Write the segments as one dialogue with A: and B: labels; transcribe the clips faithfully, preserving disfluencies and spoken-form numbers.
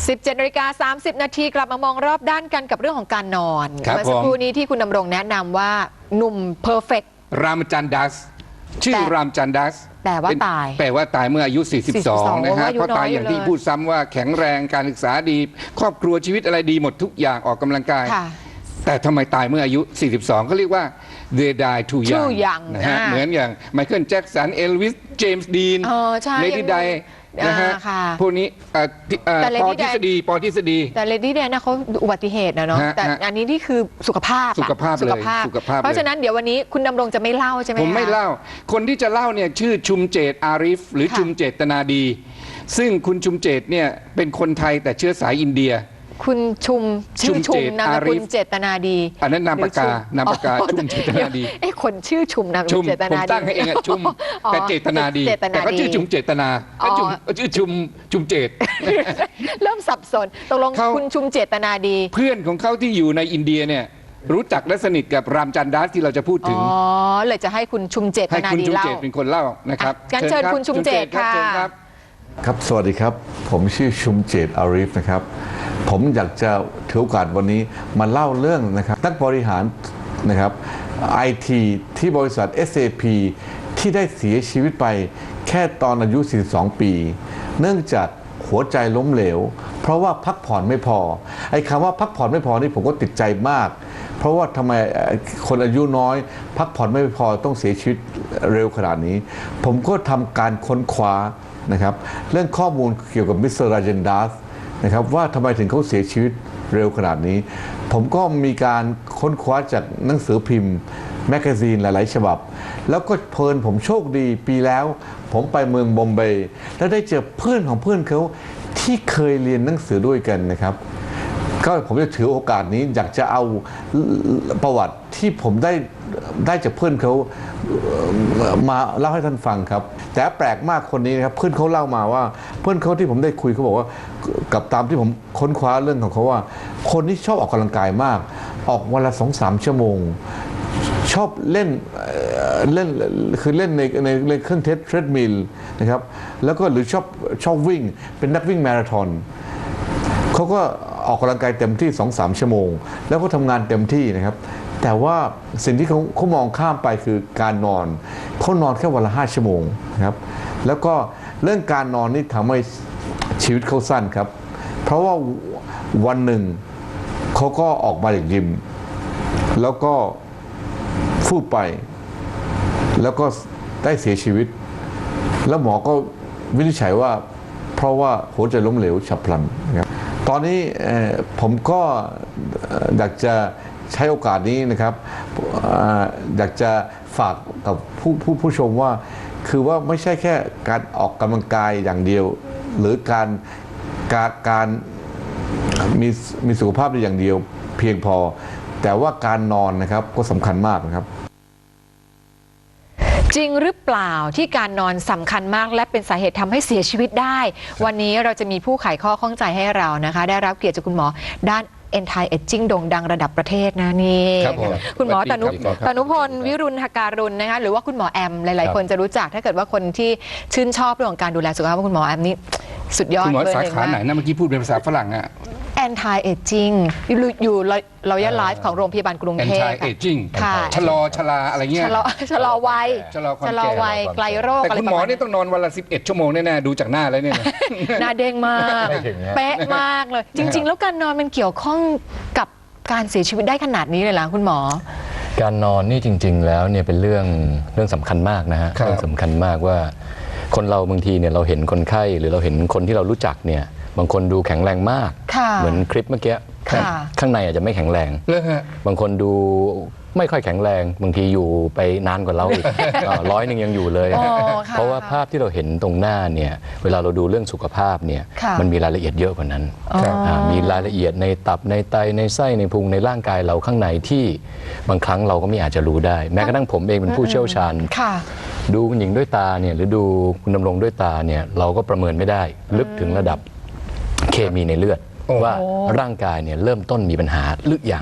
A: สิบเจ็ดนาฬิกาสามสิบนาทีกลับมามองรอบด้านกันกับเรื่องของการนอนเมื่อสักครู่นี้ที่คุณดำรงแนะนำว่าหนุ่มเพอร์เฟกต์
B: รามจันดัสชื่อรามจันดัส
A: แปลว่าตาย
B: แปลว่าตายเมื่ออายุสี่สิบสองนะฮะเพราะตายอย่างที่พูดซ้ำว่าแข็งแรงการศึกษาดีครอบครัวชีวิตอะไรดีหมดทุกอย่างออกกำลังกายแต่ทำไมตายเมื่ออายุสี่สิบสองเขาเรียกว่า they die too young นะฮะเหมือนอย่างไมเคิลแจ็คสันเอลวิสเจมส์ดีนเลดี้ไดนะฮะพวกนี้ปอทฤษฎีปอทฤษฎี
A: แต่เลดี้ไดนะเขาอุบัติเหตุนะเนาะแต่อันนี้นี่คือสุขภาพ
B: สุขภาพเลย
A: เพราะฉะนั้นเดี๋ยววันนี้คุณดำรงจะไม่เล่าใช่ไหม
B: ผมไม่เล่าคนที่จะเล่าเนี่ยชื่อชุมเจตอาริฟหรือชุมเจตนาดีซึ่งคุณชุมเจตเนี่ยเป็นคนไทยแต่เชื้อสายอินเดีย
A: คุณชุมชื่อชุมนามสกุลเจตนาดี
B: อันนั้นนามปากกานามปากกาชุมเจตนาดี
A: เอ้คนชื่อชุมนามสกุลเจตนาดี
B: ผมตั้งให้เองอะชุมแต่เจตนาดีแต่ก็ชื่อชุมเจตนาก็ชุมชื่อชุมชุมเจต
A: เริ่มสับสนตกลงคุณชุมเจตนาดี
B: เพื่อนของเขาที่อยู่ในอินเดียเนี่ยรู้จักและสนิทกับรามจันดัสที่เราจะพูดถึง
A: อ๋อเลยจะให้คุณชุมเจตนาดีเล่าให้คุณชุมเจต
B: เป็นคนเล่านะครับ
A: งั้นเชิญคุณชุมเจตค่ะ
C: ครับสวัสดีครับผมชื่อชุมเจตอาริฟนะครับผมอยากจะถือโอกาสวันนี้มาเล่าเรื่องนะครับนักบริหารนะครับไอทีที่บริษัท เอส เอ พี ที่ได้เสียชีวิตไปแค่ตอนอายุสี่สิบสองปีเนื่องจากหัวใจล้มเหลวเพราะว่าพักผ่อนไม่พอไอ้คำว่าพักผ่อนไม่พอนี่ผมก็ติดใจมากเพราะว่าทำไมคนอายุน้อยพักผ่อนไม่พอต้องเสียชีวิตเร็วขนาดนี้ผมก็ทำการค้นคว้านะครับเรื่องข้อมูลเกี่ยวกับมิสเตอร์ราเจนดัสนะครับว่าทำไมถึงเขาเสียชีวิตเร็วขนาดนี้ผมก็มีการค้นคว้าจากหนังสือพิมพ์แมกกาซีนหลายๆฉบับแล้วก็เพลินผมโชคดีปีแล้วผมไปเมืองบอมเบย์แล้วได้เจอเพื่อนของเพื่อนเขาที่เคยเรียนหนังสือด้วยกันนะครับก็ผมจะถือโอกาสนี้อยากจะเอาประวัติที่ผมได้ได้จากเพื่อนเขามาเล่าให้ท่านฟังครับแต่แปลกมากคนนี้นะครับเพื่อนเขาเล่ามาว่าเพื่อนเขาที่ผมได้คุยเขาบอกว่ากับตามที่ผมค้นคว้าเรื่องของเขาว่าคนที่ชอบออกกำลังกายมากออกวันละสองสามชั่วโมงชอบเล่นเล่นคือเล่นในในในเครื่องเทรดมิลนะครับแล้วก็หรือชอบชอบวิ่งเป็นนักวิ่งมาราธอนเขาก็ออกกำลังกายเต็มที่ สองถึงสาม ชั่วโมงแล้วก็ทำงานเต็มที่นะครับแต่ว่าสิ่งที่เขาเขามองข้ามไปคือการนอนเขานอนแค่วันละห้าชั่วโมงนะครับแล้วก็เรื่องการนอนนี่ทำให้ชีวิตเขาสั้นครับเพราะว่าวันหนึ่งเขาก็ออกมาจากยิมแล้วก็ฟูบไปแล้วก็ได้เสียชีวิตแล้วหมอก็วินิจฉัยว่าเพราะว่าหัวใจล้มเหลวฉับพลันนะครับตอนนี้ผมก็อยากจะใช้โอกาสนี้นะครับอยากจะฝากกับผู้ผู้ผู้ชมว่าคือว่าไม่ใช่แค่การออกกำลังกายอย่างเดียวหรือการการการมีมีสุขภาพได้อย่างเดียวเพียงพอแต่ว่าการนอนนะครับก็สำคัญมากนะครับ
A: จริงหรือเปล่าที่การนอนสำคัญมากและเป็นสาเหตุทำให้เสียชีวิตได้วันนี้เราจะมีผู้ไขข้อข้องใจให้เรานะคะได้รับเกียรติจากคุณหมอด้าน Anti Aging โด่งดังระดับประเทศนะนี่คุณหมอตนุตนุพลวิรุณหการุณนะคะหรือว่าคุณหมอแอมหลายๆคนจะรู้จักถ้าเกิดว่าคนที่ชื่นชอบเรื่องของการดูแลสุขภาพคุณหมอแอมนี่สุดยอดเลย
B: คุณหมอสาขาไหนนะเมื่อกี้พูดเป็นภาษาฝรั่งอะ
A: Anti Aging อยู่เราย่าไลฟ์ของโรงพยาบาลกรุงเทพ
B: Anti Aging ค่ะชะลอชราอะไรเงี้ย
A: ชะลอชะลอวัย
B: ชะลอความ
A: แก่วัยไกลโรค
B: แต่คุณหมอนี่ต้องนอนวันละสิบเอ็ดชั่วโมงแน่ๆดูจากหน้าแล้วเนี่ย
A: หน้าเด้งมากเป๊ะมากเลยจริงๆแล้วการนอนมันเกี่ยวข้องกับการเสียชีวิตได้ขนาดนี้เลยเหรอคุณหมอ
D: การนอนนี่จริงๆแล้วเนี่ยเป็นเรื่องเรื่องสำคัญมากนะฮะเรื่องสำคัญมากว่าคนเราบางทีเนี่ยเราเห็นคนไข้หรือเราเห็นคนที่เรารู้จักเนี่ยบางคนดูแข็งแรงมากเหมือนคลิปเมื่อกี้ข้างในอาจจะไม่แข็งแรงบางคนดูไม่ค่อยแข็งแรงบางทีอยู่ไปนานกว่าเราอีกร้อยหนึ่งยังอยู่เลยเพราะว่าภาพที่เราเห็นตรงหน้าเนี่ยเวลาเราดูเรื่องสุขภาพเนี่ยมันมีรายละเอียดเยอะกว่านั้นมีรายละเอียดในตับในไตในไส้ในพุงในร่างกายเราข้างในที่บางครั้งเราก็ไม่อาจจะรู้ได้แม้กระทั่งผมเองเป็นผู้เชี่ยวชาญดูคุณหญิงด้วยตาเนี่ยหรือดูคุณดำรงด้วยตาเนี่ยเราก็ประเมินไม่ได้ลึกถึงระดับเคมีในเลือดว่าร่างกายเนี่ยเริ่มต้นมีปัญหาหรือยัง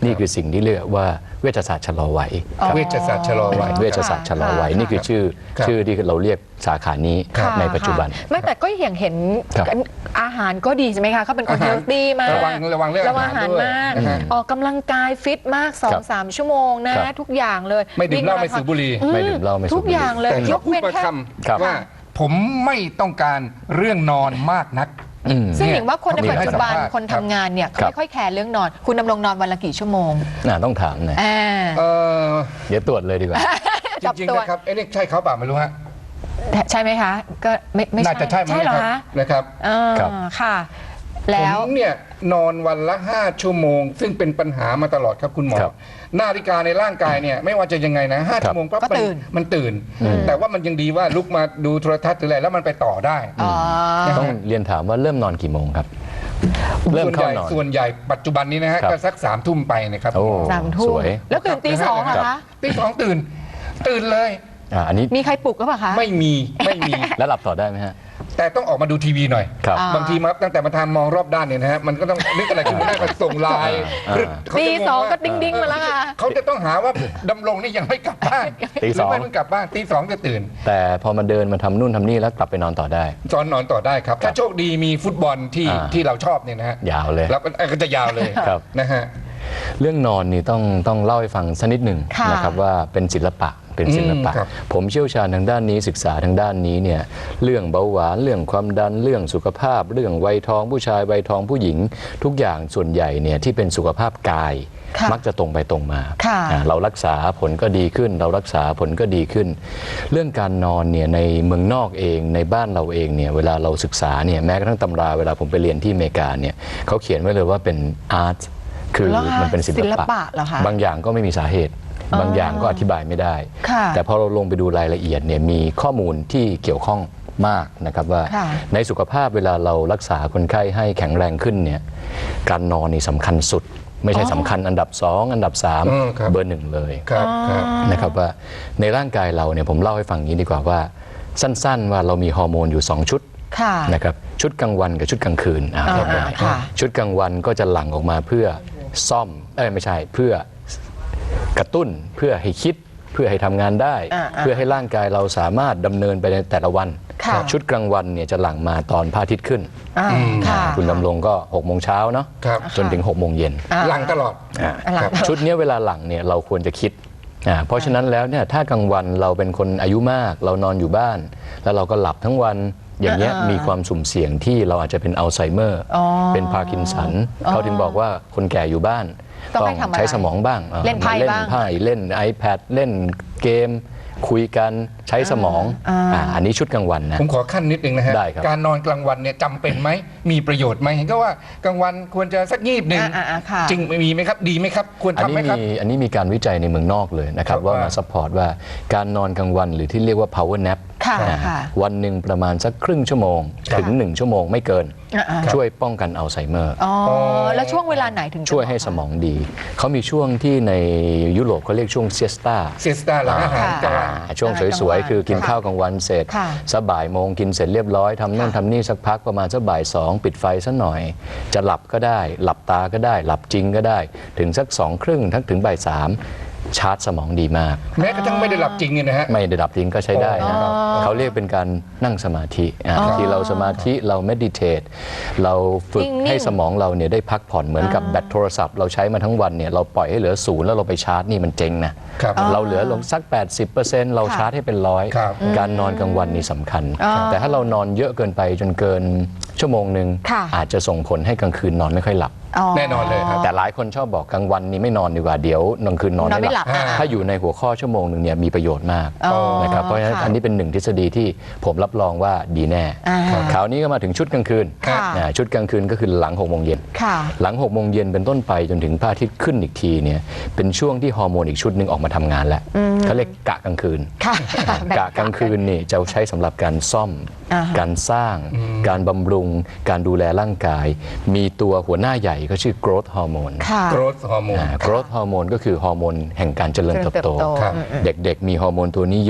D: นี่คือสิ่งที่เรียกว่าเวชศาสตร์ชะลอวัยครับ
B: เวชศาสตร์ชะลอวัย
D: เวชศาสตร์ชะลอวัย
A: ค่ะ
D: นี่คือชื่อ
B: ครับ
D: ชื่อที่เราเรียกสาขานี้
A: ค่ะ
D: ในปัจจุบัน
A: ค่ะไม่แต่ก็อย่างเห็น
D: ครับ
A: อาหารก็ดีใช่ไหมคะเขาเป็นคนเฮลตี้มาก
B: ระวังระวังเรื่อง
A: ระวัง
B: อา
A: อา
B: หา
A: หาร ร
B: ด้วย
A: มาก
B: นะฮะ
A: ออกกำลังกายฟิตมาก
D: ครับ
A: สองสาม ชั่วโมงนะ
D: ครับ
A: ทุกอย่างเลย
B: ไม่ดื่มเหล้า
A: วิ่ง
B: ไม่สูบบุหรี่
A: อื
D: ไม่ดื่มเหล้าไม่สูบบุหรี่
A: ทุกอย่างเลย
B: แต่
A: ย
B: เขา
A: ก
B: พูด
A: เว้น
B: มา
A: แค่
B: ค
D: ครับ
B: ำว่าผมไม่ต้องการเรื่องนอนมากนัก
D: อืม
A: ซึ่งหญิงว่าคนใน
B: เนี่ย
A: ปัจจุบัน
B: ให้สัมภาษณ์
A: คนทำงานเนี่ยเขา
D: ครับ
A: ไม่ค่อยแคร์เรื่องนอน คุณดำรงนอนวันละกี่ชั่วโมง
D: น่าต้องถามนะ
A: อ่า
B: เออ
D: เดี๋ยวตรวจเลยดีกว่า
B: จริงๆนะครับเอ้นี่ใช่เขาเปล่าไม่รู้ฮะ
A: ใช่ไหมคะ ก็ไม่ไม่
B: น่าจะใช่ไหม
A: ใช่เหรอ
B: นะครั
A: คะ
B: บนะครับ
A: อ่า
D: ครับ
A: ค่ะ แล้ว
B: ผมเนี่ยนอนวันละห้าชั่วโมง ซึ่งเป็นปัญหามาตลอดครับคุณหมอ
D: ครับ
B: นาฬิกาในร่างกายเนี่ยไม่ว่าจะยังไงนะห้า
D: ครับ
B: ชั่วโมงปั๊บ
A: ก็ตื่น
B: มันตื่น แต่ว่ามันยังดีว่าลุกมาดูโทรทัศน์หรืออะไรแล้วมันไปต่อได้
A: อ๋อ
D: ต้องเรียนถามว่าเริ่มนอนกี่โมงครับ เริ่ม
B: ส่วนให
D: เข้า
B: ญ่
D: นอน
B: ส่วนใหญ่ปัจจุบันนี้นะฮะ
D: ครับ
B: ก็สักสามทุ่มไปนะครับ
D: โอ้
A: สามทุ่
D: ส
A: ม
D: วย
A: แล้วตื่นตีสองเหรอคะ
B: ตีสองตื่น ตื่นเลย
D: อ่าอันนี้
A: มีใครปลุกก็ปล่ะคะ
B: ไม่มีไม่มี
D: แล้วหลับต่อได้ไหมฮะ
B: แต่ต้องออกมาดูทีวีหน่อย
D: ครับ
A: อ่า
B: บางทีมาตั้งแต่มาทำมองรอบด้านเนี่ยนะฮะมันก็ต้องนึกอะไรขึ้นมาได้มาส่งไลน์
D: อ่า
B: หรือเขา
A: ตี
B: จะ
A: สอง
B: ว่า
A: ก็ดิ้งดิ้งๆมาแล้วค่ะ
B: เขาจะต้องหาว่าดำรงนี่ยังไม่กลับบ้าน
D: ตีสอง
B: หรืไม่เพิ่งกลับบ้านตีสองจะตื่น
D: แต่พอมาเดินมาทำนู่นทำนี่แล้วกลับไปนอนต่อได้
B: จอนนอนต่อได้ครับ ถ้าโชคดีมีฟุตบอลที่
D: อ่า
B: ที่เราชอบเนี่ยนะฮะ
D: ยาวเลย
B: แล้วก็จะยาวเลย
D: ครับ
B: นะฮะ
D: เรื่องนอนนี่ต้องต้องเล่าให้ฟังสักนิดหนึ่ง
A: ค่ะ
D: นะครับว่าเป็นศิลปะเป็นศิลปะ
B: อืมครับ
D: ผมเชี่ยวชาญทางด้านนี้ศึกษาทางด้านนี้เนี่ยเรื่องเบาหวานเรื่องความดันเรื่องสุขภาพ เรื่องวัยทองผู้ชายวัยทองผู้หญิง ทุกอย่างส่วนใหญ่เนี่ยที่เป็นสุขภาพกาย
A: ค่ะ
D: มักจะตรงไปตรงมา
A: ค่ะ
D: อ่าเรารักษาผลก็ดีขึ้น เรารักษาผลก็ดีขึ้น เรื่องการนอนเนี่ยในเมืองนอกเองในบ้านเราเองเนี่ยเวลาเราศึกษาเนี่ยแม้กระทั่งตำราเวลาผมไปเรียนที่อเมริกาเนี่ยเขาเขียนไว้เลยว่าเป็นอาร์ตคือ
A: เหรอคะ
D: มันเป็นศิ
A: ศิ
D: ล
A: ล
D: ปะ
A: ปะเหรอคะ
D: บางอย่างก็ไม่มีสาเหตุ บางอย่างก็อธิบายไม่ได้
A: ค่ะ
D: แต่พอเราลงไปดูรายละเอียดเนี่ยมีข้อมูลที่เกี่ยวข้องมากนะครับว่า
A: ค่ะ
D: ในสุขภาพเวลาเรารักษาคนไข้ให้แข็งแรงขึ้นเนี่ยการนอนนี่สำคัญสุด ไม่ใช่สำคัญอันดับสองอันดับสาม
B: อืมครับ
D: เบอร์หนึ่งเลย
B: ครับครับ
D: นะครับว่าในร่างกายเราเนี่ยผมเล่าให้ฟังอย่างนี้ดีกว่าว่า สั้นๆว่าเรามีฮอร์โมนอยู่สองชุด
A: ค่ะ
D: นะครับชุดกลางวันกับชุดกลางคืนอ่า
A: อ่า
D: เรียบร้อย
A: ค่ะ
D: ชุดกลางวันก็จะหลั่งออกมาเพื่อซ่อมเอ้ยไม่ใช่เพื่อกระตุ้นเพื่อให้คิดเพื่อให้ทำงานได้
A: อ่าอ่า
D: เพื่อให้ร่างกายเราสามารถดำเนินไปในแต่ละวัน
A: ค่ะ
D: ชุดกลางวันเนี่ยจะหลั่งมาตอนพระอาทิตย์ขึ้น
A: อ่าค่ะ
D: คุณดำรงก็หกโมงเช้าเนาะ
B: ครับ
D: จนถึงหกโมงเย็น
A: อ่า
B: หลังตลอด
D: อ่า
A: หลัง
B: ครับ
D: ชุดเนี้ยเวลาหลังเนี่ยเราควรจะคิดอ่าเพราะฉะนั้นแล้วเนี่ยถ้ากลางวันเราเป็นคนอายุมากเรานอนอยู่บ้าน แล้วเราก็หลับทั้งวันอย่างเงี้ย
A: อ่ามี
D: มีความสุ่มเสี่ยงที่เราอาจจะเป็นอัลไซเมอร์
A: อ๋อ
D: เป็นพาร์กินสันเขาถึงบอกว่าคนแก่อยู่บ้าน
A: ต้องให้ทำอะไร
D: ใช้สมองบ้างอ่า
A: เล่นไพ่
D: เล่น
A: บ้าง
D: ไพ่เล่น iPad เล่นเกม คุยกันใช้สมอง
A: อ่า
D: อ่าอันนี้ชุดกลางวันนะ
B: ผมขอขั้นนิดนึงนะฮะ
D: ได้ครับ
B: การนอนกลางวันเนี่ยจำเป็นไหมมีประโยชน์ไหมเห็นก็ว่ากลางวันควรจะสักงีบหนึ่ง
A: อ่าอ่าค่ะ
B: จริงมีไหมครับ ดีไหมครับ ควร
D: อัน
B: ทำไหม
D: นี้
B: ครับ
D: มีอันนี้มีการวิจัยในเมืองนอกเลยนะครับ
B: ครับ
D: ว่า
B: ว่า
D: มาซัพพอร์ตว่าการนอนกลางวันหรือที่เรียกว่า power nap
A: ค่ะ
D: อ่า
A: ค่ะ
D: วันหนึ่งประมาณสักครึ่งชั่วโมง
A: ค่ะ
D: ถึงหนึ่งชั่วโมงไม่เกิน
A: อ่าอ่า
D: ช่วยป้องกันอัลไซเมอร์
A: อ๋อ แล้วช่วงเวลาไหนถึงจะ
D: ช่วยให้
A: เห
D: ส
A: มาะ
D: มองดี เขามีช่วงที่ในยุโรปเขาเรียกช่วงเซสตา
B: เซสตาหลังอาหารกลางวัน
D: ช่วงสวยๆ คือกินข้าวกลางวันเสร็จ
A: ค่ะ
D: สักบ่ายโมงกินเสร็จเรียบร้อยทำนู่น
A: ค่ะ
D: ทำนี่สักพักประมาณสักบ่ายสองปิดไฟสักหน่อย จะหลับก็ได้ หลับตาก็ได้ หลับจริงก็ได้ ถึงสักสองครึ่งทั้งถึงบ่ายสามชาร์จสมองดีมาก
B: แม้กระทั่งไม่ได้หลับจริงเนี่ยนะฮะ
D: ไม่ได้ดับทิ้งก็ใช้ได้นะ
B: อ๋อ
D: เขาเรียกเป็นการนั่งสมาธิอ่ะที่เราสมาธิเราเมดิเทตเราฝึก
A: นิ่งๆ
D: ให้สมองเราเนี่ยได้พักผ่อนเหมือนกับแบตโทรศัพท์เราใช้มาทั้งวันเนี่ยเราปล่อยให้เหลือศูนย์แล้วเราไปชาร์จนี่มันเจ๊งนะครับ เราเหลือลงสัก แปดสิบเปอร์เซ็นต์ เราชาร์จให้เป็นร้อย
B: ครับ
D: การนอนกลางวันนี่สำคัญ
A: อ๋อ
D: แต่ถ้าเรานอนเยอะเกินไปจนเกินชั่วโมงหนึ่ง
A: ค่ะ
D: อาจจะส่งผลให้กลางคืนนอนไม่ค่อยหลับ
B: แน่นอนเลยครับ
D: แต่หลายคนชอบบอกกลางวันนี้ไม่นอนดีกว่าเดี๋ยวกลางคืนนอน
A: นอนไม่
D: ไม่ห
A: หลั
D: ลั
A: บบ อ่า
D: ถ้าอยู่ในหัวข้อชั่วโมงหนึ่งเนี่ยมีประโยชน์มาก
A: อ๋อ
D: นะครับเพราะฉะนั้น
A: ค่ะ
D: อันนี้เป็นหนึ่งทฤษฎีที่ผมรับรองว่าดีแน่
A: อ่า
D: คราวนี้ก็มาถึงชุดกลางคืน
A: ค่ะ
D: อ่าชุดกลางคืนก็คือหลังหกโมงเย็น
A: ค่ะ
D: หลังหกโมงเย็นเป็นต้นไปจนถึงพระอาทิตย์ขึ้นอีกทีเนี่ยเป็นช่วงที่ฮอร์โมนอีกชุดหนึ่งออกมาทำงานแล้วเขาเรียกกะกลางคืน
A: ค่ะ
D: กะกลางคืนนี่จะใช้สำหรับการซ่อม
A: อ่าฮะ
D: การสร้าง การบำรุง การดูแลร่างกาย มีตัวหัวหน้าใหญ่ก็ชื่อ growth hormone
A: ค่ะ
B: โกรทฮอร์โมน
D: อ่า growth hormone ก็คือฮอร์โมนแห่งการเจริญเติบโต
A: เจริญเติบโต
B: ครับ
A: อืม
D: เด็กๆ มีฮอร์โมนตัวนี้เยอะ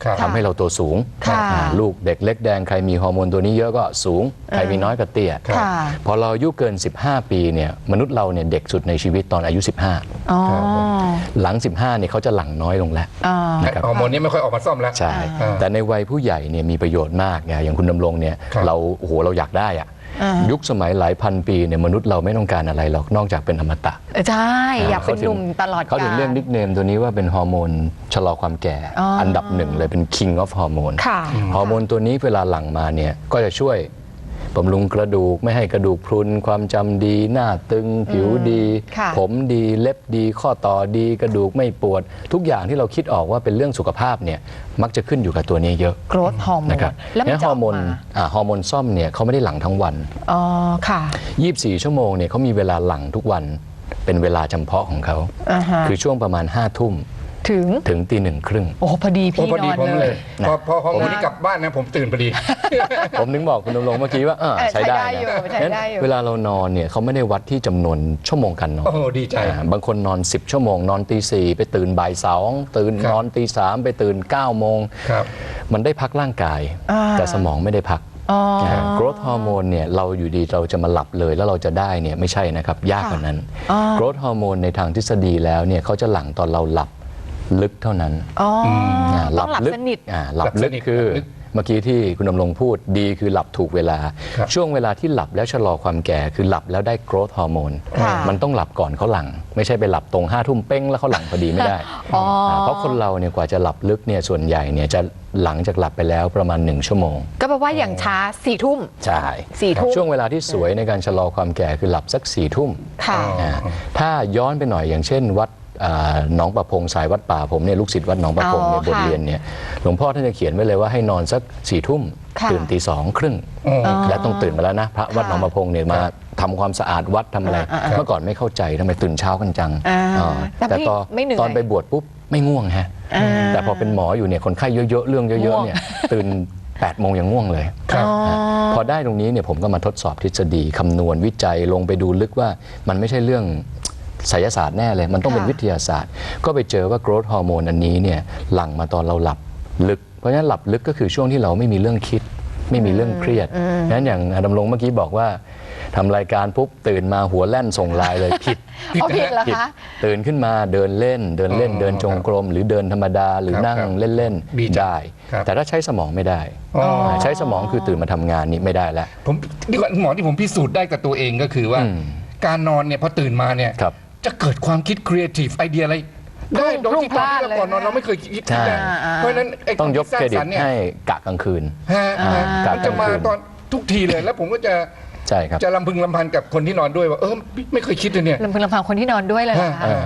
B: ครับ
D: ทำให้เราตัวสูง
A: ค่ะ
D: อ่าลูกเด็กเล็กแดงใครมีฮอร์โมนตัวนี้เยอะก็สูง ใครมีน้อยก็เตี้ย
B: ครับ
A: ค่ะ
D: พอเราอายุเกิน สิบห้า ปีเนี่ยมนุษย์เราเนี่ยเด็กสุดในชีวิตตอนอายุ สิบห้า
A: อ๋อ
D: หลัง สิบห้าเนี่ยเขาจะหลั่งน้อยลงแล้ว
A: อ่า
D: นะครับ
B: ฮอร์โมนนี้ไม่ค่อยออกมาซ่อมแล้ว
D: ใช่
B: อ่า
D: แต่ในวัยผู้ใหญ่เนี่ยมีประโยชน์มากไงอย่างคุณดำรงเนี่ย
B: ครับ
D: เราโอ้โหเราอยากได้อะ
A: อ่า
D: ยุคสมัยหลายพันปีเนี่ยมนุษย์เราไม่ต้องการอะไรหรอกนอกจากเป็นอมตะ
A: ใช่ อยากเป็นหนุ่มตลอดกาล
D: เขาถึงเรียกนิกเนมตัวนี้ว่าเป็นฮอร์โมนชะลอความแก่
A: อ๋ออั
D: อันดับหนึ่งเลยเป็น king of hormone
A: ค่ะ
D: ฮอร์โมนตัวนี้เวลาหลั่งมาเนี่ยก็จะช่วยบำรุงกระดูกไม่ให้กระดูกพรุนความจำดีหน้าตึงผิวดี
A: ค่ะ
D: ผมดีเล็บดี ข้อต่อดีกระดูกไม่ปวด ทุกอย่างที่เราคิดออกว่าเป็นเรื่องสุขภาพเนี่ยมักจะขึ้นอยู่กับตัวนี้เยอะ
A: โกรทฮอร์โมน
D: นะครับ
A: แล้วมัน
D: งั้น
A: จะ
D: ฮ
A: อ
D: อ
A: อก
D: ร์โมน
A: มา
D: อ่าฮอร์โมนซ่อมเนี่ยเขาไม่ได้หลั่งทั้งวัน
A: อ๋อ ค่ะ
D: ยี่สิบสี่ชั่วโมงเนี่ยเขามีเวลาหลั่งทุกวันเป็นเวลาจำเพาะของเขา
A: อ่าฮะ
D: คือช่วงประมาณห้าทุ่ม
A: ถึง
D: ถึงตีหนึ่งครึ่ง
A: โอ้พอดี
B: โอ้
A: พี่
B: พอดี
A: นอน
B: ผม
A: เล
B: เลย ย พอพอฮอร์โมน
A: นะ
B: นี้กลับบ้านนะผมตื่นพอดี
D: ผมนึกบอกคุณดำรงเมื่อกี้ว่าเออ
A: เออ
D: ใช้ได้
A: ใช้ได้อยู่
D: นะ
A: ใช้
D: งั้น
A: ได้อยู่
D: เวลาเรานอนเนี่ยเขาไม่ได้วัดที่จำนวนชั่วโมงการนอน
B: โอ้โหดีใจ
D: อ่าบางคนนอน สิบ ชั่วโมง นอนตีสี่ไปตื่นบ่ายสองตื่น
B: ครับ
D: นอนตีสามไปตื่นเก้าโมง
B: ครับ
D: มันได้พักร่างกาย
A: อ่า
D: แต่สมองไม่ได้พัก
A: อ๋อ
D: โกรทฮอร์โมนเนี่ยเราอยู่ดีเราจะมาหลับเลยแล้วเราจะได้เนี่ยไม่ใช่นะครับ ยากกว่านั้น
A: อ๋อ
D: โกรทฮอร์โมนในทางทฤษฎีแล้วเนี่ยเขาจะหลั่งตอนเราหลับลึกเท่านั้น
A: อ๋ออ
D: อ่า
A: ต้องหลับ
D: ลึก
A: สนิท
D: อ่าหลับ
B: หลับ
D: ลึ
B: ส
D: ก
B: นิท
D: คือ
B: หลับลึก
D: เมื่อกี้ที่คุณดำรงพูดดีคือหลับถูกเวลา
B: ครับ
D: ช่วงเวลาที่หลับแล้วชะลอความแก่คือหลับแล้วได้โกรทฮอร์โมน
A: ค่ะ
D: มันต้องหลับก่อนเขาหลัง ไม่ใช่ไปหลับตรงห้าทุ่มเป้งแล้วเขาหลังพอดีไม่ได้
A: อ๋ออ่
D: าเพราะคนเราเนี่ยกว่าจะหลับลึกเนี่ยส่วนใหญ่เนี่ยจะหลังจากหลับไปแล้วประมาณหนึ่งชั่วโมง
A: ก็แปลว่าอย่างช้าสี่ทุ่ม
D: ใช่
A: สี่ทุ่ม
D: ช่วงเวลาที่สวยในการชะลอความแก่คือหลับสักสี่ทุ่ม
A: ค่ะ
D: อ่าถ้าย้อนไปหน่อยอย่างเช่นวัดอ่าหนองประพงสายวัดป่าผมเนี่ยลูกศิษย์วัดหนองประพง
A: อ๋อ
D: ในบท
A: ค่ะ
D: เรียนเนี่ยหลวงพ่อท่านจะเขียนไว้เลยว่าให้นอนสักสี่ทุ่ม
A: ค่ะ
D: ตื่นตีสองครึ่ง
B: อ๋อ
D: และต้องตื่นมาแล้วนะพระวัดหนองประพงเนี่ยมาทำความสะอาดวัดทำอะไร
A: อ่าอ่า
D: เมื่อก่อนไม่เข้าใจทำไมตื่นเช้ากันจัง
A: อ่า
D: อ่า
A: แต่
D: แต่
A: ไม่
D: ตอน
A: ไม่เหนื่อย
D: ตอนไปบวชปุ๊บไม่ง่วงฮะ
A: อ่า
D: แต่พอเป็นหมออยู่เนี่ยคนไข้เยอะๆเรื่องเย
A: ง่
D: อะ
A: วง
D: ๆเนี่ยตื่นแปดโมงยังง่วงเลย
B: ครับ
D: นะพอได้ตรงนี้เนี่ยผมก็มาทดสอบทฤษฎีคำนวณวิจัยลงไปดูลึกว่ามันไม่ใช่เรื่องไสยศาสตร์แน่เลย มันต้องเป็น
A: ค่ะ
D: วิทยาศาสตร์ ก็ไปเจอว่าโกรทฮอร์โมนอันนี้เนี่ยหลั่งมาตอนเราหลับลึก เพราะฉะนั้นหลับลึกก็คือช่วงที่เราไม่มีเรื่องคิด ไม่มีเรื่องเครียดงั้นอย่างดำรงเมื่อกี้บอกว่าทำรายการปุ๊บตื่นมาหัวแล่นส่งไลน์เลยผิด
A: เอาผิดเหรอ
D: ผิด
A: คะ
D: ตื่นขึ้นมาเดินเล่น เดินเล่น
B: อ๋อ
D: เดินจงกรม หรือเดินธรรมดาหรือ
B: ครับ
D: นั่ง
B: ครับ
D: เล่น
B: ดี
D: ๆได้
B: ครับ
D: แต่ถ้าใช้สมองไม่ได้
B: อ๋อ
D: ใช้สมองคือตื่นมาทำงานนี่ไม่ได้แล้ว
B: ผมนี่ก่อนหมอที่ผมพิสูจน์ได้กับตัวเองก็คือว่า
D: อืม
B: การนอนเนี่ยพอตื่นมาเนี่ย
D: ครับ
B: จะเกิดความคิดครีเอทีฟไอเดียอะไร ได้โดยที่ตอนที่เราก่อนนอนเราไม่เคยคิด
D: ใช่
B: ได้เพราะฉะนั้นไอ้
D: ต้องยก
B: วาม
D: เคร
B: คิด
D: ดิ
B: ส
D: ต
B: ร้างสรรค์เนี่ย
D: ให้กะกลางคืน
B: ฮะ
D: อ่า
B: ฮะ
D: กะ
B: มันจะ
D: กลาง
B: มา
D: คืน
B: ตอนทุกทีเลยแล้วผมก็จะ
D: ใช่ครับ
B: จะลำพึงลำพันกับคนที่นอนด้วยว่าเออไม่ไม่เคยคิดเลยเนี่ย
A: ลำพึงลำพังคนที่นอนด้วยเลยเหรอคะ
B: เออ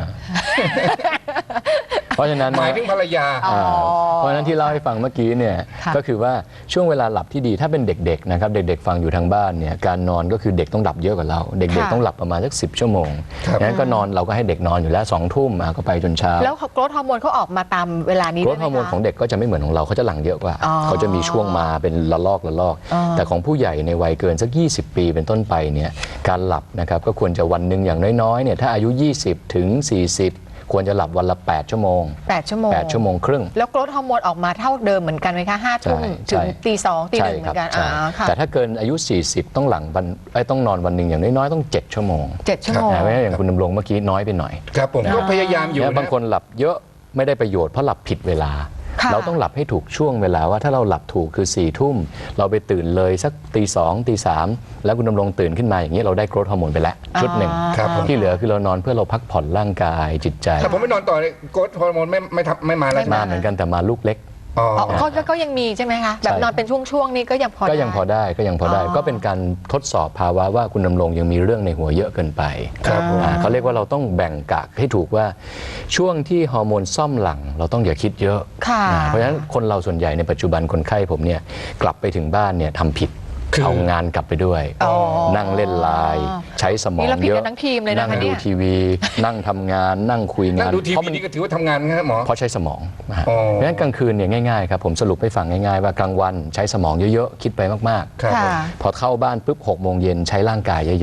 D: เพราะฉะนั้น
B: หมายถึงภรรยา
A: อ๋อ
D: อ่าเพราะฉะนั้นที่เล่าให้ฟังเมื่อกี้เนี่ย
A: ค่ะ
D: ก็คือว่าช่วงเวลาหลับที่ดีถ้าเป็นเด็กๆนะครับเด็กๆฟังอยู่ทางบ้านเนี่ยการนอนก็คือเด็กต้องหลับเยอะกว่าเรา เด็กๆต้องหลับประมาณสักสิบชั่วโมง
B: ครับ
D: งั้นก็นอนเราก็ให้เด็กนอนอยู่แล้วสองทุ่มอ่ะก็ไปจนเช้า
A: แล้วโกรทฮอร์โมนเขาออกมาตามเวลานี้
D: โกร
A: ด้ว
D: ท
A: ยไหม
D: ฮอร์โมน
A: คะ
D: ของเด็กก็จะไม่เหมือนของเราเขาจะหลั่งเยอะกว่า
A: อ๋อ
D: เขาจะมีช่วงมาเป็นละลอกละลอก
A: อ๋อ
D: แต่ของผู้ใหญ่ในวัยเกินสักยี่สิบปีเป็นต้นไปเนี่ยการหลับนะครับก็ควรจะวันหนึ่งอย่างน้อยๆเนี่ยถ้าอายุยี่สิบถึงสี่สิบควรจะหลับวันละแปดชั่วโมง
A: แปดชั่วโมง
D: แปดชั่วโมงครึ่ง
A: แล้วโกรทฮอร์โมนออกมาเท่าเดิมเหมือนกันไหมคะห้าทุ่ม
D: ใช่
A: ถึง
D: ใช่
A: ตีสองตีห
D: ใช่
A: นึ่งเห
D: ค
A: มื
D: รั
A: อนกัน
D: ใช่
A: อ่าค่ะ
D: แต่ถ้าเกินอายุ สี่สิบ ต้องหลังวันไอ้ยต้องนอนวันหนึ่งอย่างน้อยๆต้องเจ็ดชั่วโมง
A: เจ็ดชั่วโมง
D: นะเพราะฉะนั้นอย่างคุณดำรงเมื่อกี้น้อยไปหน่อย
B: ครับผมก็พยายามอยู่
D: เนี่ย
B: นะ
D: บางคนหลับเยอะไม่ได้ประโยชน์เพราะหลับผิดเวลา
A: ค่ะ
D: เราต้องหลับให้ถูกช่วงเวลาว่าถ้าเราหลับถูกคือ4ี่ทุ่มเราไปตื่นเลยสักตีสองตีสามแล้วคุณดำรงตื่นขึ้นมาอย่างนี้เราได้โกรทฮอร์โมนไปแล้วชุดหนึ่ง
B: ครับผม
D: ที่เหลือคือเรานอนเพื่อเราพักผ่อนร่างกายจิตใจ
B: ถ้าผมไม่นอนต่อเนี่ยโกรทฮอร์โมนไม่ไม่ทำไม่มาแล้ว
A: ไม่
D: มาเหมือนกันแต่มาลูกเล็ก
B: อ๋อ
A: อ๋อก็ก็ก็ยังมีใช่ไหมคะแบบ
D: ใช่
A: นอนเป็นช่วงๆนี่ก็ยังพอ
D: ก็ยังพอ
A: ได้
D: ได้ก็ยังพอได้
A: อ๋อ
D: ก็เป็นการทดสอบภาวะว่าคุณดำรงยังมีเรื่องในหัวเยอะเกินไป
B: ครับผม
D: อ่าเขาเรียกว่าเราต้องแบ่งกะให้ถูกว่าช่วงที่ฮอร์โมนซ่อมหลังเราต้องอย่าคิดเยอะ
A: ค่ะ
D: อ่าเพราะฉะนั้นคนเราส่วนใหญ่ในปัจจุบันคนไข้ผมเนี่ยกลับไปถึงบ้านเนี่ยทำผิด
B: คือ
D: เอางานกลับไปด้วย
A: อ๋อ
D: นั่งเล่นไลน์ใช้สมอ
A: นี่
D: ง
A: เราผิด
D: เย
A: กั
D: อะ
A: นทั้งทีมเลยนะคะ
D: นั่งดู
A: เนี่ย
D: ทีวี นั่งทำงานนั่งคุย
B: นั่
D: งาง น
B: ดูที
D: เพราะ
B: วี
D: มัน
B: นี่ก็ถือว่าทำงานนะครับหมอ
D: เพราะใช้สมองนะฮะ
B: อ๋อ
D: เพราะฉะนั้นกลางคืนเนี่ยง่ายๆครับผมสรุปให้ฟังง่ายๆว่ากลางวันใช้สมองเยอะๆคิดไปมากๆ
B: ครับผม
A: ค่ะ
D: พอเข้าบ้านปุ๊บหกโมงเย็นใช้ร่างกายเยอะๆ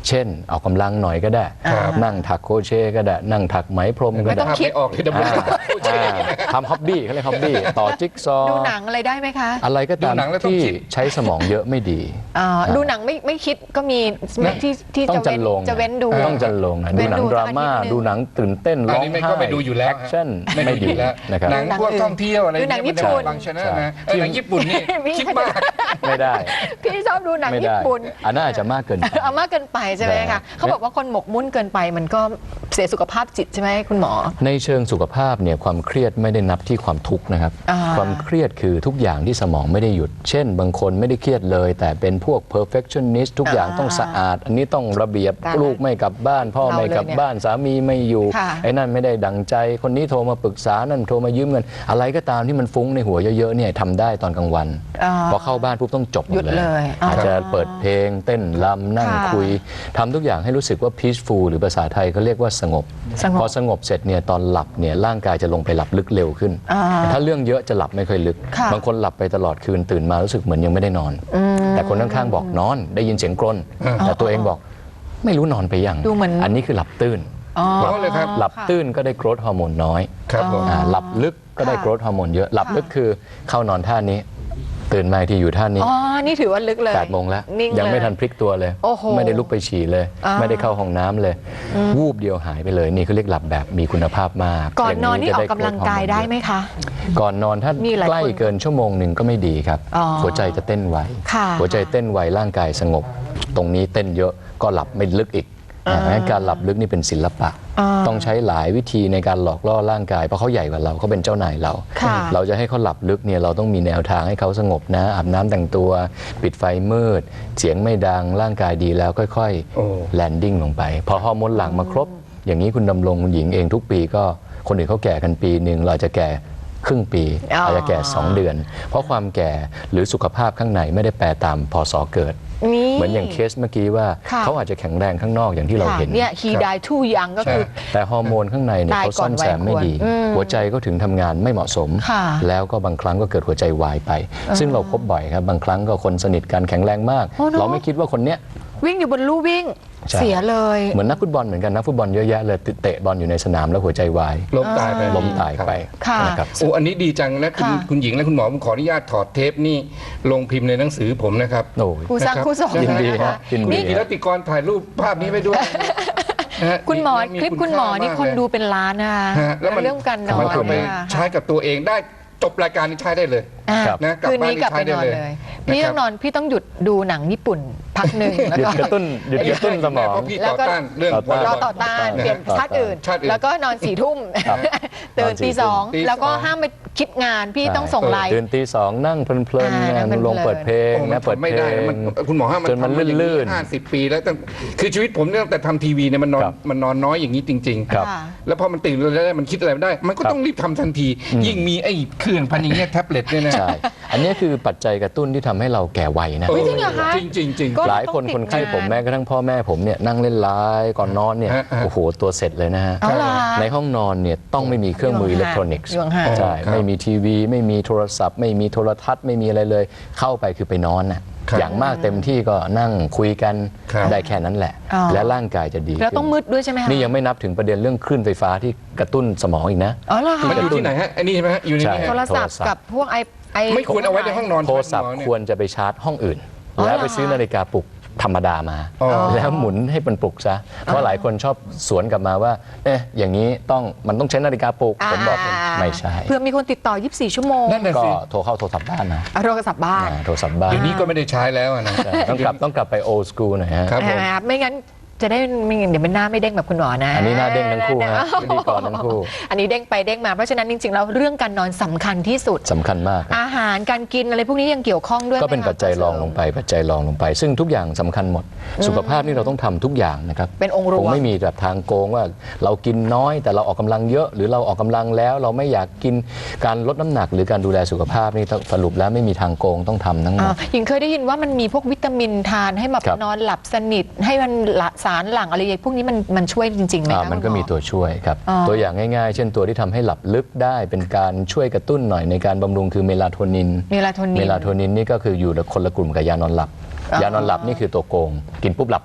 D: เช่นออกกำลังหน่อยก็ได้
B: ครับ
D: นั่งถักโครเชต์ก็ได้นั่งถักไหมพรมก็
A: ไม่ต้
D: ได้
A: องคิด
B: ไม่ออกเลยดำเนิน
D: อ่าทำฮ็อบบี้เขาเรียกฮ็อบบี้ต่อจิ๊กซอว์
A: ดูหนังอะไรได้ไหมคะ
D: อะไรก็ตาม
B: ดูหนังแล้วต้อง
D: ที่
B: คิด
D: ใช้สมองเยอะไม่ดี
A: อ่าดูหนังไม่ไม่คิดก็มี
B: นะ
A: ที่ที่
D: ต้อ
A: จะ
D: งจั
A: เว้
D: น
A: น
D: ลง
A: จะเว้นดู
D: ต้องจันลงนะ
A: เว้
D: ดู
A: น
D: หนัง
A: ดู
D: ดราม่า
A: สักอาทิตย์หนึ่ง
D: ดูหนังตื่นเต้น
B: อั
D: ร้
B: น
D: อง
B: นี้ไม่
D: ไห้
B: ก็ไปดูอยู่แล้ว
D: แอคชั่น
B: ไม่
D: ไม่
B: ดู
D: ดี
B: อยู่แล้ว
D: นะครับ
B: หนังพวกท่องเที่ยวอะไร
A: ดูหนัง
B: เย
A: ญี่ปุ่น
B: มับางชนะนะเออหนังญี่ปุ่นนี่คิดมาก
D: ไม่ได้
A: พี่ชอบดูหนัง
D: ไม่
A: ญี่
D: ได้
A: ปุ่น
D: อันนั้นอาจจะมากเกินไป
A: เอามากเกินไปใช่ไหม
D: ได้
A: คะเขาบอกว่าคนหมกมุ่นเกินไปมันก็เสียสุขภาพจิตใช่ไหมคุณหมอ
D: ในเชิงสุขภาพเนี่ยความเครียดไม่ได้นับที่ความทุกข์นะครับ
A: อ่า
D: ความเครียดคือทุกอย่างที่สมองไม่ได้หยุด เช่น บางคนไม่ได้เครียดเลย แต่เป็นพวก perfectionist ทุกอย่างต้องสะอาด อันนี้ต้องระเบียบ
A: ตาย
D: ลูกไม่กลับบ้าน พ่อ
A: เรา
D: ไม่กลับ
A: เลยเนี่ย
D: บ้านสามีไม่อยู่
A: ค่ะ
D: ไอ้นั่นไม่ได้ดังใจ คนนี้โทรมาปรึกษานั่นโทรมายืมเงิน อะไรก็ตามที่มันฟุ้งในหัวเยอะๆเนี่ยทำได้ตอนกลางวัน
A: อ่า
D: พอเข้าบ้านปุ๊บต้องจบหม
A: หยุ
D: ด
A: ด
D: เลย
A: เลยอ่า
D: อาจจะเปิดเพลงเต้นรำนั่ง
A: ค่ะ
D: คุยทำทุกอย่างให้รู้สึกว่า peaceful หรือภาษาไทยเขาเรียกว่าสงบ
A: สงบ
D: พอสงบเสร็จเนี่ยตอนหลับเนี่ยร่างกายจะลงไปหลับลึกเร็วขึ้น
A: อ่า
D: ถ้าเรื่องเยอะจะหลับไม่ค่อยลึก
A: ค่ะ
D: บางคนหลับไปตลอดคืนตื่นมารู้สึกเหมือนยังไม่ได้นอน แต่คนข้างๆบอกนอนได้ยินเสียงกรนแต่ตัวเองบอกไม่รู้นอนไปยัง
A: ดูเหมือน
D: อันนี้คือหลับตื้น
A: อ๋อ
B: เพราะเลยครับ
D: หลับตื้นก็ได้โกรทฮอร์โมนน้อย
B: ครับผม
D: อ่าหลับลึกก็ได้
A: ค่ะ
D: โกรทฮอร์โมนเยอะหลับลึกคือเข้านอนท่านี้ ตื่นมาอีกทีอยู่ท่านี้
A: อ๋อ นี่ถือว่าลึกเลย
D: แปดโมงแล้ว
A: นิ่ง
D: ยังไม่
A: เลย
D: ทันพลิกตัวเลย
A: โอ้โห
D: ไม่ได้ลุกไปฉี่เลย
A: อ่า
D: ไม่ได้เข้าห้องน้ำเลย วูบเดียวหายไปเลย นี่เขาเรียกหลับแบบมีคุณภาพมาก
A: ก่อนนอนนี่
D: ย่
A: อ
D: ง
A: อกกำลังกายได้ไหมคะ
D: ก่อนนอนถ้า
A: มีหลาย
D: ใกล้
A: คน
D: เกินชั่วโมงหนึ่งก็ไม่ดีครับ
A: อ๋อ
D: หัวใจจะเต้นไว
A: ค่ะ
D: หัวใจเต้นไวร่างกายสงบ ตรงนี้เต้นเยอะก็หลับไม่ลึกอีกนะงั้นการหลับลึกนี่เป็นศิลปะ
A: อ่า
D: ต้องใช้หลายวิธีในการหลอกล่อร่างกายเพราะเขาใหญ่กว่าเราเขาเป็นเจ้านายเรา
A: ค่ะ
D: เราจะให้เขาหลับลึกเนี่ยเราต้องมีแนวทางให้เขาสงบนะอาบน้ำแต่งตัว ปิดไฟมืด เสียงไม่ดังร่างกายดีแล้วค่อย
B: โอ้
D: ๆแลนดิ้งลงไป พอฮอร์โมนหลั่งมาครบ อย่างนี้คุณดำรงคุณหญิงเองทุกปีก็คนอื่นเขาแก่กันปีหนึ่งเราจะแก่ครึ่งปี
A: อ๋ออ
D: อาจจะแก่สองเดือน เพราะความแก่หรือสุขภาพข้างในไม่ได้แปรตามพศเกิด
A: นี่
D: เหมือนอย่างเคสเมื่อกี้ว่า
A: ค่ะ
D: เขาอาจจะแข็งแรงข้างนอกอย่างที่เรา
A: ค่ะ
D: เห็น
A: เนี่ย he died too young ก็คือ
D: แต่ฮอร์โมนข้างในเนี่ย
A: ตาย
D: เขาซ่อนแซมไม่ดี
A: ก่อนวัยควรอืม
D: หัวใจก็ถึงทำงานไม่เหมาะสม
A: ค่ะ
D: แล้วก็บางครั้งก็เกิดหัวใจวายไป ซึ่งเราพบบ่อยครับ บางครั้งก็คนสนิทกันแข็งแรงมาก
A: โอ้เนอะ
D: เราไม่คิดว่าคนเนี้ย
A: วิ่งอยู่บนลู่วิ่ง
D: ใช่
A: เสียเลย
D: เหมือนนักฟุตบอลเหมือนกันนักฟุตบอลเยอะแยะเลยเตะบอลอยู่ในสนามแล้วหัวใจวาย
B: ล้มตายไป
D: ล้มตายไป
A: ค่ะ
D: นะครับ
B: โอ้อันนี้ดีจังและคุณ
A: ค่ะ
B: คุณหญิงและคุณหมอผมขออนุญาตถอดเทปนี่ลงพิมพ์ในหนังสือผมนะครับ
D: โอ้ย
A: ครูสร้าง
B: นะครับ
A: ครูสอน
D: ยินดี
A: นะ
D: ฮะ
A: คะ
D: ยินดี
B: นี่กีรติกรถ่ายรูปภาพนี้ไว้ด้วยนะฮะ
A: คุณหมอ
B: มี
A: คลิปคุณหมอนี่
B: า
A: คน
B: มากเลย
A: ดูเป็นล้านนะคะ
B: ฮะแล้วมัน
A: เรื่องการนอ
B: มัน
A: น
B: เอาไป
A: ค่ะ
B: ใช้กับตัวเองได้จบรายการนี้ใช้ได้เลย
A: อ่ะ
D: ครับ
B: นะกลับ
A: คืน
B: บ้าน
A: นี้กลับไป
B: ใช้
A: น
B: ได้
A: อน
B: เลย
A: เลย
B: นะครับ
A: พี่ต้องนอนพี่ต้องหยุดดูหนังญี่ปุ่นพักหนึ่งแล้ว
D: หยุด
A: ก็
D: กระตุ้นหยุดกระตุ้นสมอง
B: เพราะพี่
A: แล้ว
B: ต่อ
A: ก็
B: ต้านเรื่อง
D: ต่อต้าน
A: รอต่อต้านเปลี่ยนชาติอื่น
B: ชาติอื่น
A: แล้วก็นอนสี่ทุ่มตื่นตีสอง
B: ตีสอง
A: แล้วก็ห้ามไปคิดงานพี่ต้องส่งไลน์
D: ตื่นตีสองนั่งเพลิน
A: อ่า
D: ๆ
A: นั่
D: นะ
A: งเพลินๆ
D: ลงเปิดเพลง
B: โอ้มัน
D: นะเปิด
B: ทำไม่
D: เพล
B: ได้
D: ง
B: มันคุณหมอห้ามมัน
D: จนมัน
B: ทำมาอย่าง
D: ลื่นๆ
B: ห้าสิบปีแล้วตั้งคือชีวิตผมเนี่ยตั้งแต่ทำทีวีเนี่ยมันนอน
D: ครับ
B: มันนอนน้อยอย่างนี้จริง
D: ครับ
A: ค่ะ
B: ๆ แล้วพอมันตื่นแล้วมันคิดอะไรไม่ได้ มันก็
D: ครับ
B: ต้องรีบทำทันที ยิ่งมีไอ้เครื่องพันอย่างเงี้ยแท็บเล็ตเนี่ยนะ
D: ใช่ อันนี้คือปัจจัยกระตุ้นที่ทำให้เราแก่วัยนะ
A: เฮ้ยจริงเหรอคะ
B: จริงจริงจริง
A: ก็
D: หลายคน
A: ต้องติด
D: คนไข้
A: งาน
D: ผมแม้กระทั่งพ่อแม่ผมเนี่ยนั่งเล่นไลน์ก่อนนอนเนี่ย
B: ฮะฮะ
D: โอ้โหตัวเสร็จเลยนะฮะ
A: เอาล่ะ
D: ในห้องนอนเนี่ยต้องไม่มีเครื่องมืออิเล็กทรอนิกส์
A: อยู่ห่างๆ
D: ใช่
B: ครับ
D: ไม่มีทีวี ไม่มีโทรศัพท์ ไม่มีโทรทัศน์ไม่มีอะไรเลย เข้าไปคือไปนอนน่ะ
B: ครับ
D: อย่างมากเต็มที่ก็นั่งคุยกัน
B: ครับ
D: ได้แค่นั้นแหละ
A: อ๋อ
D: และร่างกายจะดี
A: แล้วต้อง
D: ขึ้น
A: มืดด้วยใช่ไหมคะ
D: นี่ยังไม่นับถึงประเด็นเรื่องคลื่นไฟฟ้าที่กระตุ้นสมองอีกนะ
A: อ๋อเหรอคะ
B: มันอยู่ที่ไหนฮะไอ้นี่ใช่ไหมฮะอยู่ในนี้
D: ใช่
B: ฮะ
A: โทรศัพท์
D: โทรศัพท์
A: กับพวกไอไอ
B: ไม่ควรเอาไว้ในห้องนอน
D: โทรศัพท์
B: ณหมอเนี่ย
D: ควรจะไปชาร์จห้องอื่น
A: อ๋อ
D: แล้ว
A: เหรอ
D: ไปซื้อนาฬิกาปลุกธรรมดามา
B: อ๋อ
D: แล้วหมุนให้มันปลุกซะ เพราะหลายคนชอบสวนกลับมาว่า เอ๊ะ อย่างนี้ต้องมันต้องใช้นาฬิกาปลุก ผมบอกไม่ใช่
A: เพื่อมีคนติดต่อ ยี่สิบสี่ ชั่วโมง
B: นั่นน่ะ
D: ก็
B: สิ
D: โทรเข้าโทรศัพท์บ้านนะ
A: เอาโทรศัพท์บ้าน
D: อ่าโทรศัพท์บ้าน
B: เดี๋ยวนี้ก็ไม่ได้ใช้แล้วอะนะ
D: ใช่ต้องกลับต้องกลับไปโอ s สกูลหน่อยฮะ
B: ครับผม
A: นะครับไม่งั้นจะได้ไม่งั้นเดี๋ยวมันหน้าไม่เด้งแบบคุณหมอนะ
D: อันนี้หน้าเด้งทั้งคู่ฮะพิธีกรทั้งคู่
A: อันนี้เด้งไปเด้งมาเพราะฉะนั้นจริงๆแล้วเรื่องการนอนสำคัญที่สุด
D: สำคัญมากครับ
A: อาหารการกินอะไรพวกนี้ยังเกี่ยวข้องด้วย
D: ก็เป็น
A: ไหมคะ
D: ปัจจัยรองลงไป ปัจจัยรองลงไป ซึ่งทุกอย่างสำคัญหมด สุขภาพนี่เราต้องทำทุกอย่างนะครับ
A: เป็นองค์ร
D: คว ง
A: ม
D: ไม่มีแบบทางโกงว่าเรากินน้อยแต่เราออกกำลังเยอะ หรือเราออกกำลังแล้วเราไม่อยากกินการลดน้ำหนัก หรือการดูแลสุขภาพนี่สรุปแล้วไม่มีทางโกงต้องทำทั้งหม
A: อ่า
D: ด
A: หญิงเคยได้ยินว่ามันมีพวกวิตามินทานให้แบบ
D: ครับ
A: นอนหลับสนิท ให้มันละสารหลั่งอะไรอย่างพวกนี้มันมันช่วยจริงๆไหม
D: อ่า
A: คะ
D: มันก็
A: คุณห
D: มีตัวช่วยครับ
A: อ๋อ
D: ตัวอย่างง่ายๆ เช่นตัวที่ทำให้หลับลึกได้เป็นการช่วยกระตุ้นหน่อยในการบำรุงคือเมลาโทนิน
A: เมลาโทนิน
D: เมลาโทนินนี่ก็คืออยู่คนละกลุ่มกับยานอนหลับ
A: อ๋อ
D: ยานอนหลับนี่คือตัวโกง กินปุ๊บหลับปั๊บ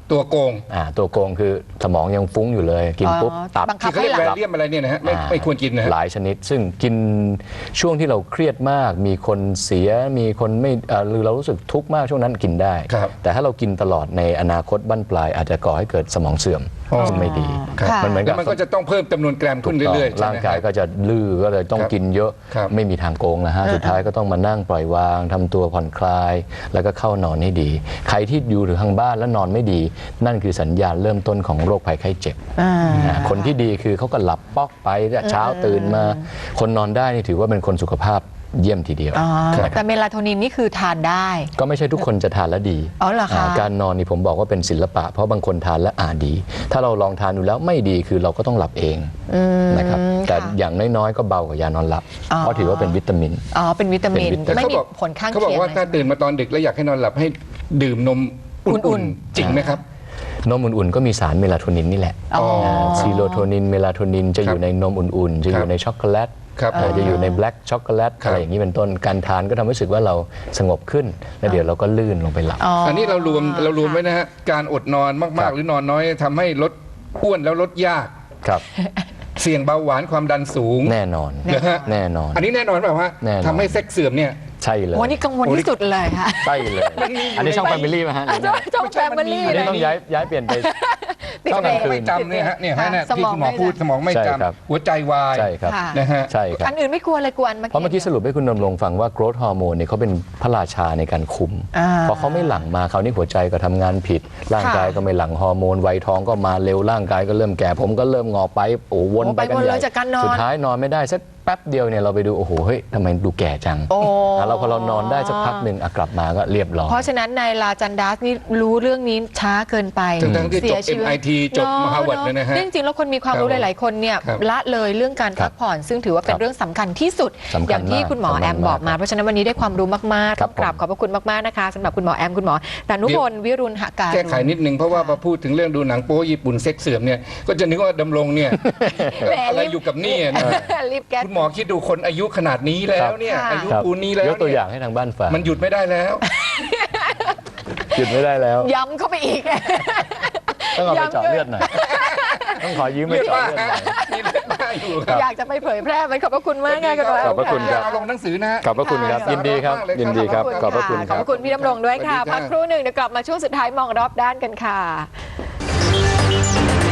B: ตัวโกง
D: อ่าตัวโกงคือสมองยังฟุ้งอยู่เลยกินปุ๊บตับ
A: บังคับ
B: ที่เขาเรียก
A: ให้
B: แว
A: หลับ
B: เลียมอะไรเนี่ยนะฮะไม่ไม่ควรกินนะฮะ
D: หลายชนิด ซึ่งกินช่วงที่เราเครียดมาก มีคนเสียมีคนไม่เอ่อหรือเรารู้สึกทุกข์มากช่วงนั้นกินได้
B: ครับ
D: แต่ถ้าเรากินตลอดในอนาคตบั้นปลายอาจจะก่อให้เกิดสมองเสื่อมซึ่งไม่ดี
A: ค่ะ
D: มันเหมือน
B: แล้
D: กับ
B: วมันก็จะต้องเพิ่มจำนวนแกรมขึ้นเรื่อยๆใช่
D: ร่าง
B: ไหม
D: กายก็จะลื้อก็เลยต้อง
B: ครับ
D: กินเยอะ
B: ครับ
D: ไม่มีทางโกงนะฮะสุดท้ายก็ต้องมานั่งปล่อยวางทำตัวผ่อนคลาย แล้วก็เข้านอนให้ดี ใครที่อยู่หรือทางบ้านแล้วนอนไม่ดี นั่นคือสัญญาณเริ่มต้นของโรคภัยไข้เจ็บ
A: อ่า
D: นะคนที่ดีคือเขาก็หลับป๊อกไปเช้าตื่นมา คนนอนได้นี่ถือว่าเป็นคนสุขภาพเยี่ยมทีเดียว
A: อ๋อ
D: นะครับ
A: แต่เมลาโทนินนี่คือทานได้
D: ก็ไม่ใช่ทุกคนจะทานแล้วดี
A: อ๋อเหรอคะ
D: าการนอนนี่ผมบอกว่าเป็นศิลปะ เพราะบางคนทานแล้วอาดี ถ้าเราลองทานดูแล้วไม่ดีคือเราก็ต้องหลับเองนะครับแต่อย่างน้อยๆก็เบากว่ายานอนหลับ
A: อ๋อ
D: เพราะถือว่าเป็นวิตามิน
A: อ๋อเป็นวิตามิน
D: เป็นวิตามิน
A: ไม่มี
B: เขาบอก
A: ผลข้าง
B: เขา
A: เคียง
B: บอกว่า
A: อะไร
B: ถ้าตื่นมาตอนดึกแล้วอยากให้นอนหลับให้ดื่มนมอุ่
A: อุ่
B: น
A: น
B: ๆจริงไหมครับ
D: นมอุ่นๆก็มีสารเมลาโทนินนี่แหละ
A: อ๋อ
D: ซีโรโทนินเมลาโทนินจะอยู่ในนมอุ่นๆ จะอยู่ในช็อกโกแลต
B: ครับ
D: อ่าจะอยู่ในแบล็กช็อกโกแลต
B: ครับ
D: อะไรอย่างนี้เป็นต้นการทานก็ทำให้รู้สึกว่าเราสงบขึ้น แล้วเดี๋ยวเราก็ลื่นลงไปหลับ
A: อ๋อ
B: อันนี้เรารวมเรารวมไว้นะฮะการอดนอน
D: ครั
B: มาก
D: บ
B: ๆ หรือนอนน้อยทำให้ลดอ้วนแล้วลดยาก
D: ครับ
B: เสี่ยงเบาหวานความดันสูง
D: แน่นอน
B: นะฮะ
D: แน่นอน
B: อันนี้แน่นอนเปล่าฮะ
D: แน่นอน
B: ทำให้เซ็กเสื่อมเนี่ย
D: ใช่เลย
A: วันนี้กังวลที่สุดเลยค่ะ
D: ใช่เลย อันนี้ช่องแฟมิลี่ไหมฮะ
A: อ่ะจ้องจ้องแฟมิลี่
D: อัน
A: เล
D: นี้
A: ย
D: ต้องย้ายย้ายเปลี่ยนไป
A: ติด
D: ช่อง
A: เบร
D: กลาง
A: ก
D: คืน
B: ไม่จำเนี่ยฮะเนี่ยฮะเนี่ย
A: ส
B: ที่
A: มอง
B: คุณหมอ
A: ไม่
B: พูดสมองไม่
D: ใช่
B: จ
D: ครับ
B: ำหัวใจวาย
D: ใช่ครับ
A: ค่ะ
B: นะฮะ
D: ใช่ครับ
A: อันอื่นไม่กลัวเลยกลัวอันเมื่อ
D: เพราะเมื่อกี้
A: กี้
D: สรุปให้คุณดำรงฟังว่า growth hormone เนี่ยเขาเป็นพระราชาในการคุม
A: อ่า
D: พอเขาไม่หลั่งมาคราวนี้หัวใจก็ทำงานผิด ร่างกายก็ไม่หลั่งฮอร์โมนวัยท้องก็มาเร็วร่างกายก็เริ่มแก่ผมก็เริ่มงอไปโอ้วน
A: โอ้
D: ไป
A: ไป
D: กัน
A: วน
D: ให
A: เล
D: ญ่
A: ยจากการนอน
D: สุดท้ายนอนไม่ได้สักแป๊บเดียวเนี่ยเราไปดูโอ้โหเฮ้ยทำไมดูแก่จัง
A: โอ้
D: อ่ะเราพอเรานอนได้สักพักหนึ่งอ่ะกลับมาก็เรียบร้อย
A: เพราะฉะนั้นนายลาจันดัสนี่รู้เรื่องนี้ช้าเกินไป
B: ทั้งๆที่จบ
A: เสียชีวิต
B: เอ็ม ไอ ที จบ
A: เนอะ
B: มหาวิทยาลัย
A: เนอะ
B: เลยนะฮะ
A: จริงๆแล้วคนมีความรู้
B: ครับ
A: หลาย ๆ คนเนี่ย
B: ครับ
A: ละเลยเรื่องการ
D: ครั
A: พั
D: บ
A: กผ่อน ซึ่งถือว่าเป็น
D: ครับ
A: เรื่องสำคัญที่สุด
D: สำคัญ
A: อย่างที่
D: มาก
A: คุณหมอ
D: สำคัญ
A: แอมบอกมา
D: มาก
A: เพราะฉะนั้นวันนี้ได้ความรู้มากๆ
D: ครั
A: ต้อบ งกราบ
D: ผม
A: ขอบพระคุณมากๆนะคะสำหรับคุณหมอแอมคุณหมอดานุพลวิรุณหการ
B: แก้ไขนิดนึงเพราะว่าพอพูดถึงเรื่องดูหนังโป๊ญี่ปุ่นเซ็กเสื่อมเนี่ยก็จะนึกว่าดำรงเนี่ย
A: แหม
B: อะไรอยู่กับนี่นะ
A: รีบแก้
B: คุณหมอคิดดูคนอายุขนาดนี้แล้วเนี่ย
A: ค่ะ
B: อายุ
D: ครับ
B: ปูนนี้แล้ว
D: ยกตัวอ
B: เนี่
D: ย่างให้ทางบ้านฟัง
B: มันหยุดไม่ได้แล้ว
D: หยุดไม่ได้แล้ว
A: ย้ำเข้าไปอีก
D: ต้องเอาไป
A: ย้ำ
D: เจาะ
A: ด้วย
D: เลือดหน่อยต้องขอยืมไป
B: เลือด
D: เจาะ
B: บ้า
D: เลือดหน่อย
B: มีเลือดบ้าอยู่ครับ
A: อยากจะไปเผยแพร่มันขอบพระคุณมากค่ะคุณหมอแอม
D: ขอบพระคุณครับ
B: เอาลงหนังสือนะฮะ
D: ขอบพระคุณครับ ยินดีครับ
B: ขอบคุณมากเลยครับ
D: ยินดีครับ ข
A: ข
D: อ
A: อ
D: บบ พระคุณ
A: ข
D: ค
A: อบ
D: รั
A: พ
D: บ
A: ระคุณพี่ดำรงด้วยค่ะ
B: สวัสดีค่ะ
A: พักครู่หนึ่งเดี๋ยวกลับมาช่วงสุดท้ายมองรอบด้านกันค่ะ